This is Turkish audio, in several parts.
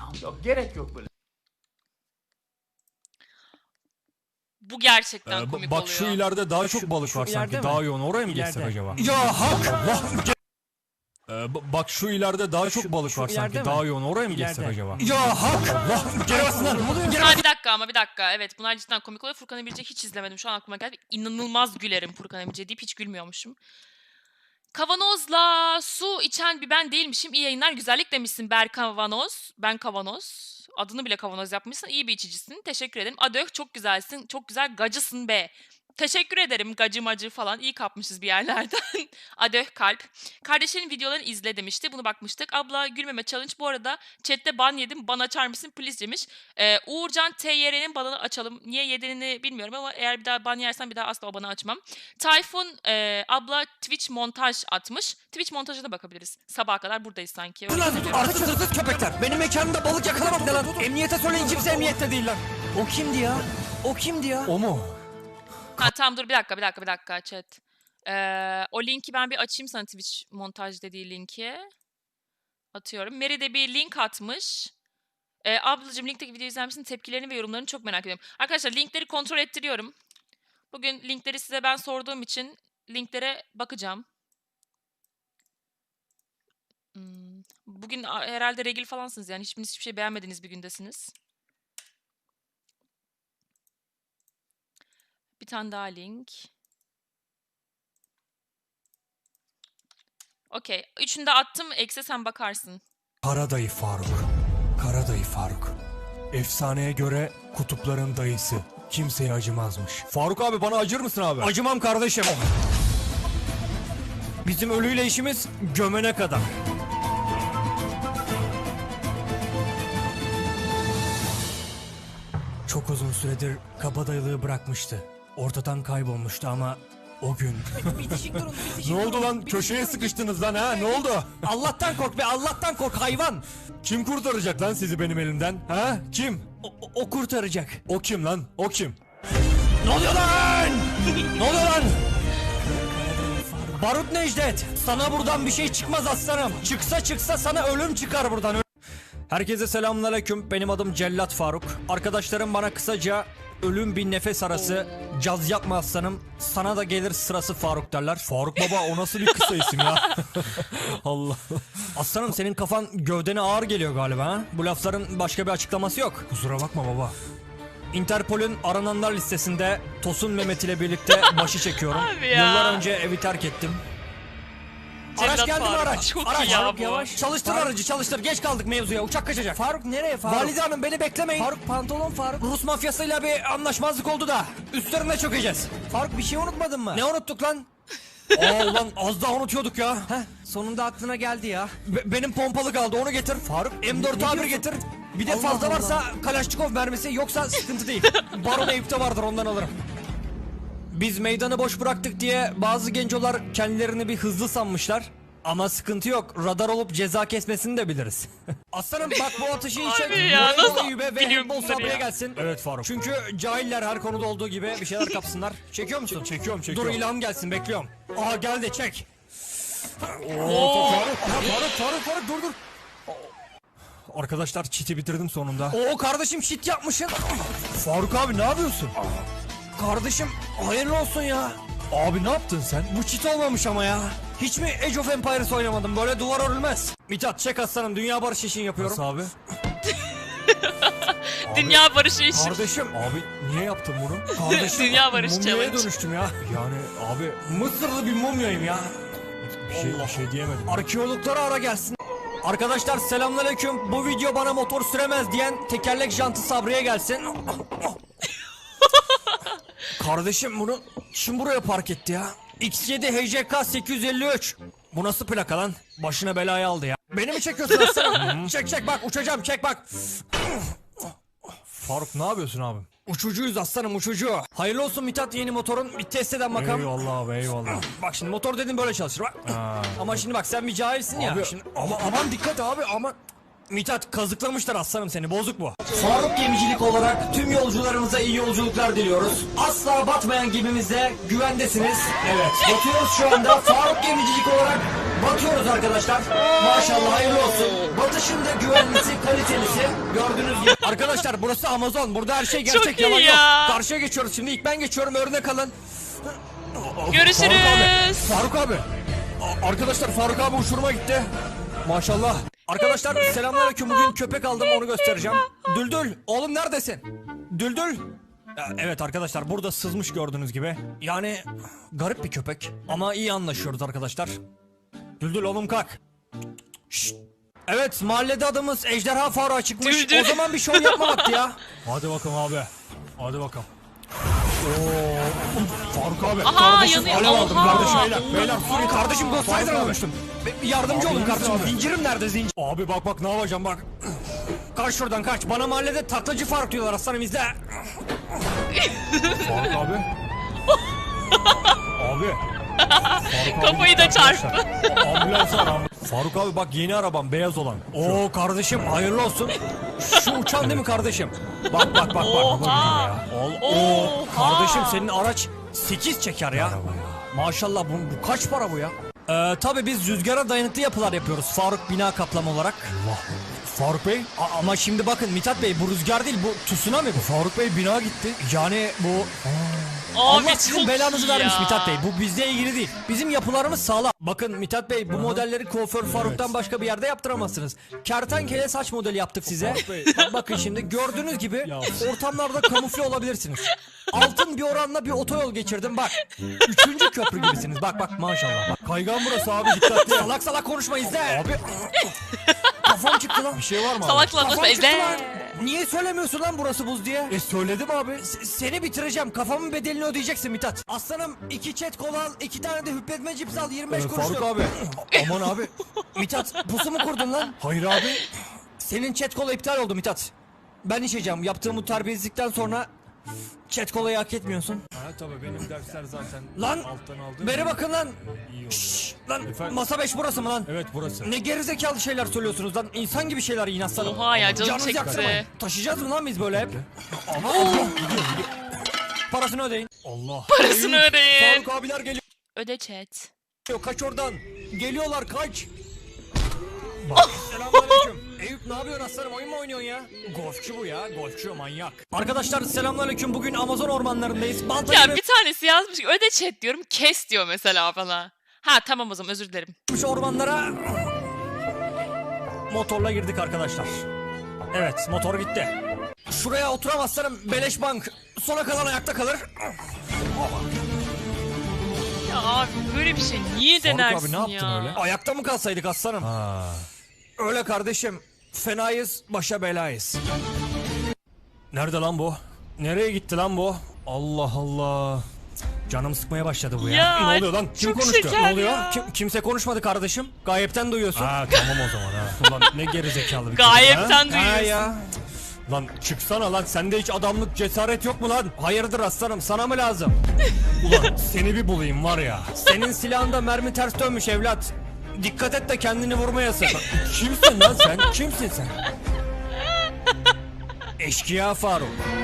Yok, gerek yok böyle. Bu gerçekten komik Bak oluyor. şu ileride daha çok balık var sanki. Daha yoğun. Oraya mı geçsek acaba? Ya hak! Bak şu ileride daha çok balık var sanki. Daha yoğun. Oraya mı geçsek acaba? Ya hak! Allah! Geri basınlar. Ha, bir dakika. Evet, bunlar cidden komik oluyor. Furkan Emirce'yi hiç izlemedim. Şu an aklıma geldi. İnanılmaz gülerim Furkan Emirce deyip hiç gülmüyormuşum. Kavanozla su içen bir ben değilmişim. İyi yayınlar, güzellik demişsin Berkavanoz. Ben Kavanoz. Adını bile kavanoz yapmışsın. İyi bir içicisin. Teşekkür ederim. Adök çok güzelsin. Çok güzel gacısın be. Teşekkür ederim gacı macı falan. İyi kapmışız bir yerlerden. Adök kalp. Kardeşlerin videolarını izle demişti. Bunu bakmıştık. Abla gülmeme challenge. Bu arada chatte ban yedim. Ban açar mısın please demiş. Uğurcan TYR'nin banını açalım. Niye yediğini bilmiyorum ama eğer bir daha ban yersen bir daha asla o banı açmam. Tayfun abla Twitch montaj atmış. Twitch montajına da bakabiliriz. Sabaha kadar buradayız sanki. Öyle hissediyorum. Artık hırsız köpekler. Benim mekanımda balık yakalamak ne lan? Emniyete söyleyin, kimse emniyette değil lan. O kimdi ya? O kimdi ya? O mu? Ha tamam, dur bir dakika chat. O linki ben bir açayım sana, Twitch montaj dediği linki. Atıyorum. Mary de bir link atmış. Ablacığım linkteki videoyu izler misin? Tepkilerini ve yorumlarını çok merak ediyorum. Arkadaşlar linkleri kontrol ettiriyorum. Bugün linkleri size ben sorduğum için linklere bakacağım. Bugün herhalde regil falansınız yani. Hiçbiriniz hiçbir şey beğenmediğiniz bir gündesiniz. Bir tane daha link. Okey. Üçünü de attım. Ekse sen bakarsın. Karadayı Faruk. Karadayı Faruk. Efsaneye göre kutupların dayısı. Kimseye acımazmış. Faruk abi bana acır mısın abi? Acımam kardeşim. Bizim ölüyle işimiz gömene kadar. Çok uzun süredir kabadayılığı bırakmıştı. Ortadan kaybolmuştu ama o gün... Bitişik durun, bitişik Ne oldu durun, lan? bitişik Köşeye durun. sıkıştınız lan ha? Ne oldu? Allah'tan kork be, Allah'tan kork hayvan. Kim kurtaracak lan sizi benim elimden? Ha? Kim? O kurtaracak. O kim lan? O kim? Ne oluyor lan? Ne oluyor lan? Barut Necdet, sana buradan bir şey çıkmaz aslanım. Çıksa sana ölüm çıkar buradan. Herkese selamünaleyküm. Benim adım Cellat Faruk. Arkadaşlarım bana kısaca ölüm bir nefes arası, caz yapma aslanım, sana da gelir sırası Faruk derler. Faruk baba o nasıl bir kısa isim ya? Allah. Aslanım senin kafan gövdene ağır geliyor galiba ha? Bu lafların başka bir açıklaması yok. Kusura bakma baba. Interpol'ün arananlar listesinde Tosun Mehmet ile birlikte başı çekiyorum. Abi ya. Yıllar önce evi terk ettim. Araç Cellat geldi mi Faruk, araç? çok Araç. iyi ya Faruk, bu. yavaş. Çalıştır aracı çalıştır. Geç kaldık mevzuya. Uçak kaçacak. Faruk nereye Faruk? Valide Hanım beni beklemeyin. Faruk pantolon Faruk. Rus mafyasıyla bir anlaşmazlık oldu da. Üstlerine çökeceğiz. Faruk bir şey unutmadın mı? Ne unuttuk lan? Aa ulan az daha unutuyorduk ya. Heh, sonunda aklına geldi ya. Benim pompalı kaldı, onu getir. Faruk M4A1 getir. Bir de fazla varsa Kalaşnikov mermisi, yoksa sıkıntı değil. Baron Eyüp'te vardır, ondan alırım. Biz meydanı boş bıraktık diye bazı gencolar kendilerini bir hızlı sanmışlar. Ama sıkıntı yok. Radar olup ceza kesmesini de biliriz. Aslanım bak bu atışı iyi çek. Abi ya, Voleybol nasıl Eyüp'e ve biliyorum handball bunları Sabri'ye ya? gelsin. Evet Faruk. Çünkü cahiller her konuda olduğu gibi bir şeyler kapsınlar. Çekiyor musun? Çekiyorum. Dur ilham gelsin, bekliyorum. Aha geldi, çek. Faruk dur. Arkadaşlar çiti bitirdim sonunda. Oo kardeşim shit yapmışsın. Faruk abi ne yapıyorsun? Kardeşim hayırlı olsun ya. Abi ne yaptın sen? Bu çit olmamış ama ya. Hiç mi Age of Empires oynamadım? Böyle duvar örülmez. Mithat çek aslanım, dünya barışı için yapıyorum. Nasıl abi? Dünya barışı için. Kardeşim. Abi niye yaptın bunu? Kardeşim. Dünya barışı mumyaya challenge. dönüştüm ya. Yani abi Mısırlı bir mumyayım ya. bir şey diyemedim. Arkeologlara ara gelsin. Arkadaşlar selamünaleyküm. Bu video bana motor süremez diyen tekerlek jantı Sabri'ye gelsin. Kardeşim bunu kim buraya park etti ya? X7 HJK 853. Bu nasıl plaka lan? Başına belayı aldı ya. Beni mi çekiyorsun aslanım? Çek bak, uçacağım, çek bak. Faruk ne yapıyorsun abi? Uçucuyuz aslanım, uçucu. Hayırlı olsun Mithat, yeni motorun. Bir test eden bakalım. Eyvallah abi eyvallah. Bak şimdi motor dedim böyle çalışır bak. Ama şimdi bak sen bir cahilsin ya. Abi, Şimdi, aman dikkat abi, aman. Mithat kazıklamışlar aslanım seni, bozuk bu. Faruk Gemicilik olarak tüm yolcularımıza iyi yolculuklar diliyoruz. Asla batmayan gemimizde güvendesiniz. Evet, batıyoruz şu anda. Faruk Gemicilik olarak Batıyoruz arkadaşlar. Maşallah hayırlı olsun. Batışında güvenlisi, kalitelisi. Gördüğünüz gibi. Arkadaşlar burası Amazon. Burada her şey gerçek, Çok iyi yalan ya. yok. Karşıya geçiyoruz şimdi. İlk ben geçiyorum. Örnek alın. Görüşürüz. Faruk abi. Arkadaşlar Faruk abi uçuruma gitti. Maşallah. Arkadaşlar selamünaleyküm. Bugün köpek aldım, onu göstereceğim. Düldül oğlum neredesin? Düldül. Evet arkadaşlar burada sızmış gördüğünüz gibi. Yani garip bir köpek ama iyi anlaşıyoruz arkadaşlar. Düldül oğlum kalk. Şşt. Evet mahallede adımız Ejderha Faruk'a çıkmış. Düldül. O zaman bir şov yapma vakti ya. Hadi bakalım abi. Hadi bakalım. Faruk abi. Aha, kardeşim yanıyor. alev aldım Oha. kardeşim. Beyler Suriye Kardeşim Ghost Rider abi. almıştım. Yardımcı Abi, olun kardeşim. abi. Zincirim nerede zincir? Abi bak ne yapacağım bak. Kaç şuradan kaç. Bana mahallede taklacı Faruk diyorlar aslanım, izle. Faruk abi. Abi. Faruk abi Kafayı da gitti çarptı. arkadaşlar. Ambulans var ambulans. Faruk abi bak yeni arabam beyaz olan. Oo kardeşim hayırlı olsun. Şu uçan değil mi kardeşim? Bak. Oha. Oo Oha. kardeşim senin araç 8 çeker ya. Maşallah bu kaç para bu ya? Tabii biz rüzgara dayanıklı yapılar yapıyoruz Faruk bina kaplama olarak. Allah. Faruk Bey. Ama şimdi bakın Mithat Bey, bu rüzgar değil, bu tsunami bu. Faruk Bey bina gitti. Yani bu Abi Allah çok sizin belanızı iyi vermiş ya. Mithat Bey. Bu bizle ilgili değil. Bizim yapılarımız sağlam. Bakın Mithat Bey, bu modelleri kuaför Faruk'tan başka bir yerde yaptıramazsınız. Kertenkele saç modeli yaptık size. Faruk Bey. Bakın şimdi gördüğünüz gibi Ya. ortamlarda kamufle olabilirsiniz. Altın bir oranla bir otoyol geçirdim bak. 3. köprü gibisiniz. Bak maşallah. Bak. Kaygan burası abi dikkatli. Salak konuşma izle. Abi Kafam çıktı lan. bir şey var mı abi? Salakla Kafam konuşma çıktı izle. lan. Niye söylemiyorsun lan burası buz diye? Söyledim abi. Seni bitireceğim. Kafamın bedelini ödeyeceksin Mithat. Aslanım 2 çet kola al, 2 tane de hüpletme cips al, 25 kuruş. Faruk abi. Aman abi. Mithat pusu mu kurdun lan? Hayır abi. Senin chat kola iptal oldu Mithat. Ben içeceğim. Yaptığım bu terbiyesizlikten sonra chat kolayı hak etmiyorsun. Ha tabii benim dersler zaten Lan, alttan aldım. Beri bakın lan. İyi oldu. Şşş, lan Efendim? masa 5 burası mı lan? Evet burası. Ne gerizekalı şeyler söylüyorsunuz lan. İnsan gibi şeyler yiyin aslanım. Oha ya, canım Canınızı çekti. yaktırmayın. Taşıyacağız mı lan biz böyle hep? Ama parasını ödeyin. Allah. Parasını ödeyin. Faruk abiler geliyor. Öde chat. Kaç oradan. Geliyorlar kaç. Selamünaleyküm. Eyüp ne yapıyorsun aslanım, oyun mu oynuyorsun ya? Golfçu bu ya, golfçu manyak. Arkadaşlar selamünaleyküm, bugün Amazon ormanlarındayız. Balta Ya gibi bir tanesi yazmış ki öde chat diyorum, kes diyor mesela bana. Ha tamam o zaman, özür dilerim. ormanlara motorla girdik arkadaşlar. Evet, motor gitti. Şuraya oturamazsanım beleş bank. Sona kalan ayakta kalır. Ya abi böyle bir şey niye Faruk denersin abi, ne yaptın ya? öyle? Ayakta mı kalsaydık aslanım? Ha. Öyle kardeşim. Fenayız, başa belayız. Nerede lan bu? Nereye gitti lan bu? Allah Allah. Canım sıkmaya başladı bu ya. Ya, Ne oluyor lan? Kim çok konuştu? şeker Ne oluyor? ya. Kimse konuşmadı kardeşim. Gayipten duyuyorsun. Ha tamam o zaman ha. Ulan ne gerizekalı bir çocuk ha. Gayipten Ha duyuyorsun. ya. Lan çıksana lan, sende hiç adamlık cesaret yok mu lan? Hayırdır aslanım, sana mı lazım? Ulan seni bir bulayım var ya. Senin silahında mermi ters dönmüş evlat. Dikkat et de kendini vurmayasın. Kimsin lan sen? Kimsin sen? Eşkıya Faruk.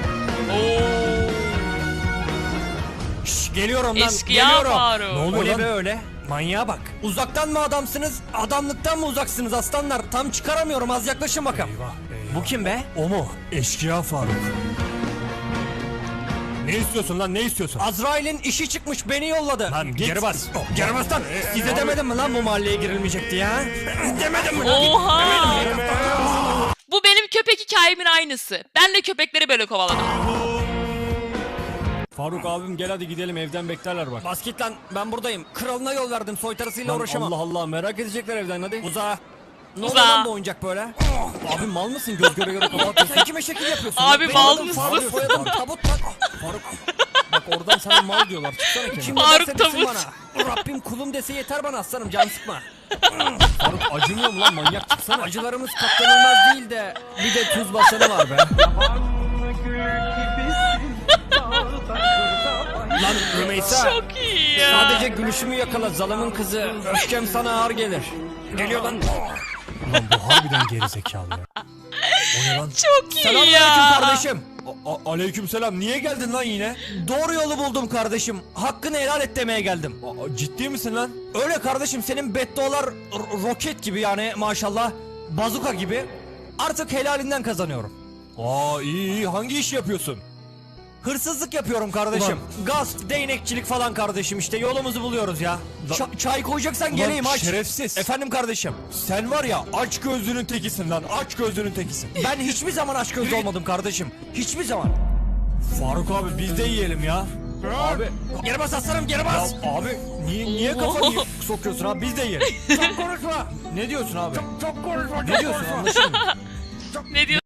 Şş, geliyorum lan. Eşkıya geliyorum. Faruk. Ne oluyor Öyle lan? be öyle. Manyağa bak. Uzaktan mı adamsınız, adamlıktan mı uzaksınız aslanlar? Tam çıkaramıyorum, az yaklaşın bakalım. Eyvah eyvah. Bu kim be? O mu? Eşkıya Faruk. Ne istiyorsun lan, ne istiyorsun? Azrail'in işi çıkmış, beni yolladı. Lan git. Geri bas. Geri bas lan. Size demedim mi lan bu mahalleye girilmeyecekti ya? Demedim mi lan? Oha! Bu benim köpek hikayemin aynısı. Ben de köpekleri böyle kovaladım. Faruk abim gel hadi gidelim, evden beklerler bak. Bas git lan, ben buradayım. Kralına yol verdim, soytarısıyla Lan uğraşamam. Allah Allah, merak edecekler evden hadi. Uza. Ne Uza. oluyor lan bu oyuncak böyle? Abi mal mısın, göz göre göre kafa atıyorsun. Sen kime şekil yapıyorsun? Abi Benim mal adım mısın? Faruk, soyadım Tabut lan. Faruk. Bak oradan sana mal diyorlar, çıksana kenara. Kim Faruk ne derse desin Tabut. bana. Rabbim kulum dese yeter bana aslanım, can sıkma. Faruk acımıyor mu lan, manyak çıksana. Acılarımız katlanılmaz değil de bir de tuz basanı var be. Lan Rümeysa. Çok iyi ya. Sadece gülüşümü yakala zalımın kızı. Öfkem sana ağır gelir. Geliyor lan. Ulan bu harbiden gerizekalı ya. O ne lan? Çok iyi Selamünaleyküm ya. kardeşim. Aleykümselam. Niye geldin lan yine? Doğru yolu buldum kardeşim. Hakkını helal et demeye geldim. Ciddi misin lan? Öyle kardeşim, senin beddualar roket gibi yani maşallah. Bazuka gibi. Artık helalinden kazanıyorum. İyi. Hangi iş yapıyorsun? Hırsızlık yapıyorum kardeşim. Gasp, değnekçilik falan kardeşim, işte yolumuzu buluyoruz ya. Çay koyacaksan geleyim aç. Şerefsiz. Efendim kardeşim. Sen var ya aç gözlünün tekisin lan. Aç gözlünün tekisin. Ben hiçbir zaman aç gözlü olmadım kardeşim. Hiçbir zaman. Faruk abi biz de yiyelim ya. Abi. Geri bas aslanım, geri bas. Abi niye kafanı Sokuyorsun abi, biz de yiyelim. Çok konuşma. Ne diyorsun abi? Çok konuşma. Ne diyorsun, anlaşılmıyor. Ne diyor?